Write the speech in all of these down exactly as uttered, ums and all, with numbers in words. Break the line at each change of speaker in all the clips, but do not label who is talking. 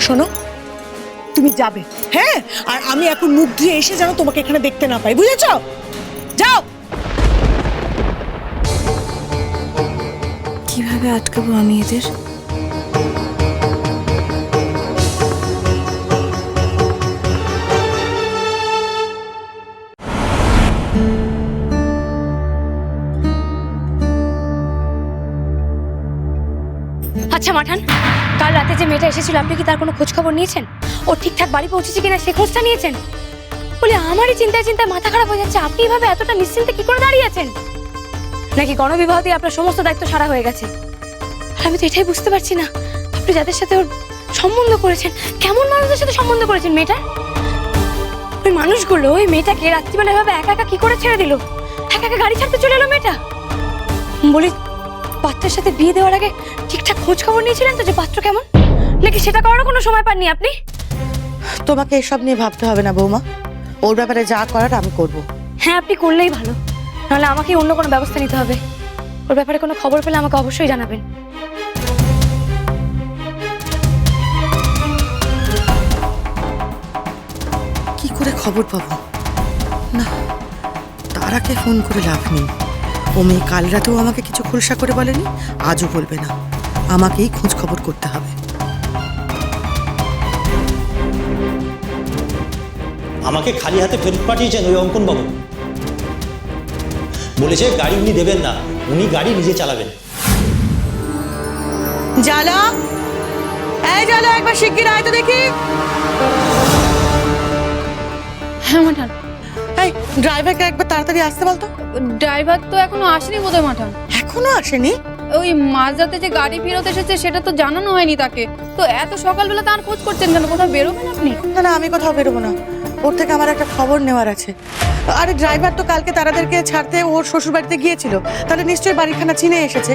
শোনো, তুমি যাবে, হ্যাঁ? আর আমি এখন মুখ ধুয়ে এসে যেন তোমাকে এখানে দেখতে না পাই, বুঝেছো? যাও।
কিভাবে আটকাবো আমি এদের?
আচ্ছা মাঠান, কাল রাতে যে মেয়েটা এসেছিল আপনি কি তার কোনো খোঁজ খবর নিয়েছেন? ও ঠিকঠাক বাড়ি পৌঁছেছে কিনা সে খোঁজটা নিয়েছেন? বলে আমারই চিন্তায় চিন্তায় মাথা খারাপ হয়ে যাচ্ছে, আপনি এভাবে এতটা নিশ্চিন্তে কি করে দাঁড়িয়ে আছেন? নাকি গণবিবাহ দিয়ে আপনার সমস্ত দায়িত্ব সারা হয়ে গেছে? আর আমি তো এটাই বুঝতে পারছি না, আপনি যাদের সাথে ওর সম্বন্ধ করেছেন, কেমন মানুষদের সাথে সম্বন্ধ করেছেন মেয়েটা? ওই মানুষগুলো ওই মেয়েটাকে রাত্রিবেলা এভাবে একা একা কি করে ছেড়ে দিল? একা একা গাড়ি ছাড়তে চলে এলো মেয়েটা। বলি, পাত্রের সাথে বিয়ে দেওয়ার আগে ঠিকঠাক খোঁজ খবর নিয়েছিলেন তো যে পাত্র কেমন, নাকি সেটা করারও কোনো সময় পাননি আপনি?
তোমাকে এসব নিয়ে ভাবতে হবে না বৌমা, ওর ব্যাপারে যা করার আমি করব।
হ্যাঁ, আপনি করলেই ভালো, নাহলে আমাকে অন্য কোনো ব্যবস্থা নিতে হবে। ওর ব্যাপারে কোনো খবর পেলে আমাকে অবশ্যই জানাবেন।
কি করে খবর পাবো? না, তারাকে ফোন করে লাভ নেই। ও মেয়ে কাল রাতেও আমাকে কিছু খোলসা করে বলেনি, আজও বলবে না। আমাকেই খোঁজ খবর করতে হবে।
আমাকে খালি হাতে ফেরত পাঠিয়েছেন ওই অঙ্কন বাবু। বলেছে গাড়ি উনি দেবেন না, উনি গাড়ি নিজে চালাবেন।
জালা, এই জালা, একবার শিগগির আয় তো দেখি।
হ্যাঁ মাঠান।
এই ড্রাইভারকে একবার তাড়াতাড়ি আসতে বলতো।
ড্রাইভার তো এখনো আসেনি বোধহয় মাঠান।
এখনো আসেনি?
ওই মাঝরাতে যে গাড়ি ফেরত এসেছে সেটা তো জানানো হয়নি তাকে। তো এত সকালবেলা তার খোঁজ করছেন কেন? কোথাও বেরোবেন আপনি?
না না, আমি কোথাও বেরোবো না। ওর থেকে আমার একটা খবর নেওয়ার আছে। আরে ড্রাইভার তো কালকে তারাদেরকে ছাড়তে ওর শ্বশুর বাড়িতে গিয়েছিল, তাহলে নিশ্চয়ই বাড়িখানা চিনে এসেছে।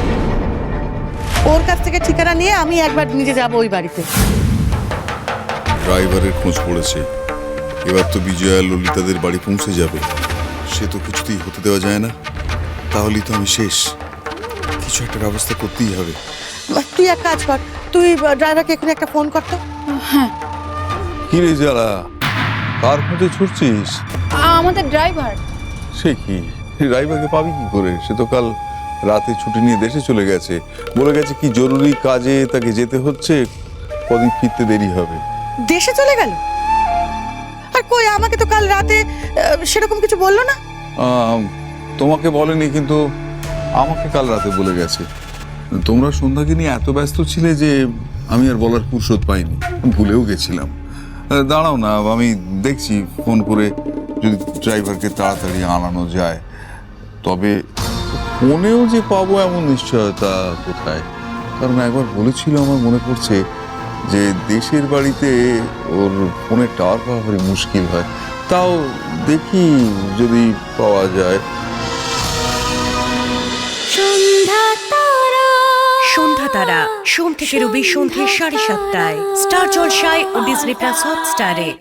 ওর কাছ থেকে ঠিকানা নিয়ে আমি একবার নিজে যাব ওই বাড়িতে।
ড্রাইভারের খোঁজ পড়েছে, এবার তো বিজয়া ললিতাদের বাড়ি পৌঁছে যাবে। সে তো কিছুতেই হতে দেওয়া যায় না, তাহলেই তো আমি শেষ। কিছু একটা ব্যবস্থা করতেই হবে।
তুই এক কাজ কর, তুই ড্রাইভারকে এখানে একটা ফোন কর তো।
হ্যাঁ।
কি রে যারা, কার খোঁজে ছুটছিস?
আমাদের ড্রাইভার।
সে কি, ড্রাইভারকে পাবি কি করে? সে তো কাল রাতে ছুটি নিয়ে দেশে চলে গেছে, বলে গেছে কি জরুরি কাজে তাকে যেতে হচ্ছে, কদিন ফিরতে দেরি হবে।
দেশে চলে গেল? আর কই, আমাকে তো কাল রাতে সেরকম কিছু বললো না।
তোমাকে বলেনি, কিন্তু আমাকে কাল রাতে বলে গেছে। তোমরা সন্ধ্যাকে নিয়ে এত ব্যস্ত ছিলে যে আমি আর বলার ফুরসত পাইনি, ভুলেও গেছিলাম। দাঁড়াও না, আমি দেখছি ফোন করে যদি ড্রাইভারকে তাড়াতাড়ি আনানো যায়। তবে ফোনেও যে পাবো এমন নিশ্চয়তা কোথায়? কারণ একবার বলেছিল, আমার মনে পড়ছে, যে দেশের বাড়িতে ওর ফোনের টাওয়ার পাওয়া ভারী মুশকিল হয়। তাও দেখি যদি পাওয়া যায়।
সন্ধ্যা তারা সোম থেকে রবি সন্ধ্যে সাড়ে সাতটায় স্টার জলসায় ও ডিজনি প্লাস হটস্টারে।